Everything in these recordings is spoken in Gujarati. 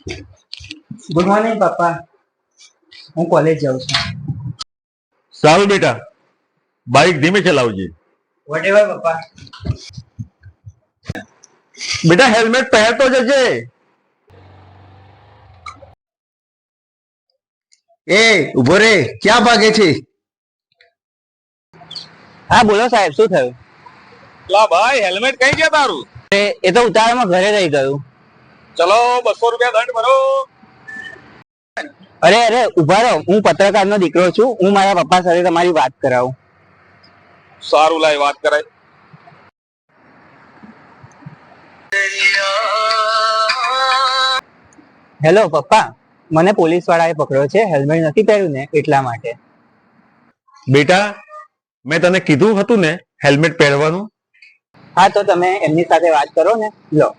ગુડ મોર્નિંગ પપ્પા. હું કોલેજ જાઉં છું. સારું બેટા, બાઇક ધીમે ચલાવજે. વોટ એવર પપ્પા. બેટા હેલ્મેટ પહેરતો જજે. એ ઉભો રે, ક્યાં ભાગે છે? હા બોલો સાહેબ, શું થયું? લા ભાઈ, હેલ્મેટ કઈ ગયા તારું? એ તો ઉતાવળમાં ઘરે રહી ગયું. ચલો 200 રૂપિયા દંડ ભરો. અરે ઉભા રહો, હું પત્રકારનો દીકરો છું. હું મારા પપ્પા સાથે તમારી વાત કરાવું. સારું, લાય વાત કરાય. હેલો પપ્પા, મને પોલીસ વાળાએ પકડ્યો છે. હેલ્મેટ નથી પહેર્યું ને એટલા માટે. બેટા, મેં તને કીધું હતું ને હેલ્મેટ પહેરવાનું. હા તો તમે એમની સાથે વાત કરો ને. લો.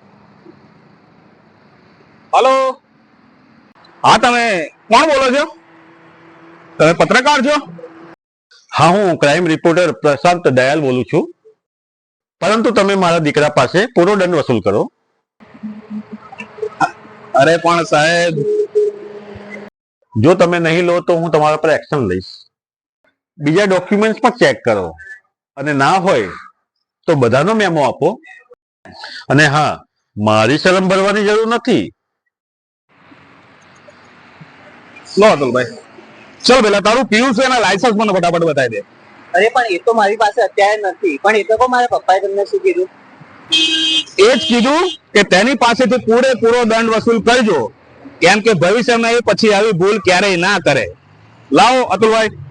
હલો, હા તમે કોણ બોલો છો? તમે પત્રકાર છો? હા, હું ક્રાઇમ રિપોર્ટર પ્રશાંત દયાલ બોલું છું. પરંતુ તમે મારા દીકરા પાસે પૂરો દંડ વસૂલ કરો. અરે પણ સાહેબ, જો તમે નહીં લો તો હું તમારા પર એક્શન લઈશ. બીજા ડોક્યુમેન્ટ્સ પણ ચેક કરો, અને ના હોય તો બધાનો મેમો આપો. અને હા, મારી શરમ ભરવાની જરૂર નથી. લો અતુલભાઈ, ચલ પેલા તારું પીયું છે એના લાયસન્સ મને ફટાફટ બતાવી દે. અરે પણ એ તો મારી પાસે અત્યારે નથી. પણ એ તો કહો, મારા પપ્પાએ તમને શું કીધું? એ જ કીધું કે તેની પાસેથી પૂરેપૂરો દંડ વસૂલ કરજો, કેમ કે ભવિષ્યમાં એ પછી આવી ભૂલ ક્યારેય ના કરે. લાવો અતુલભાઈ.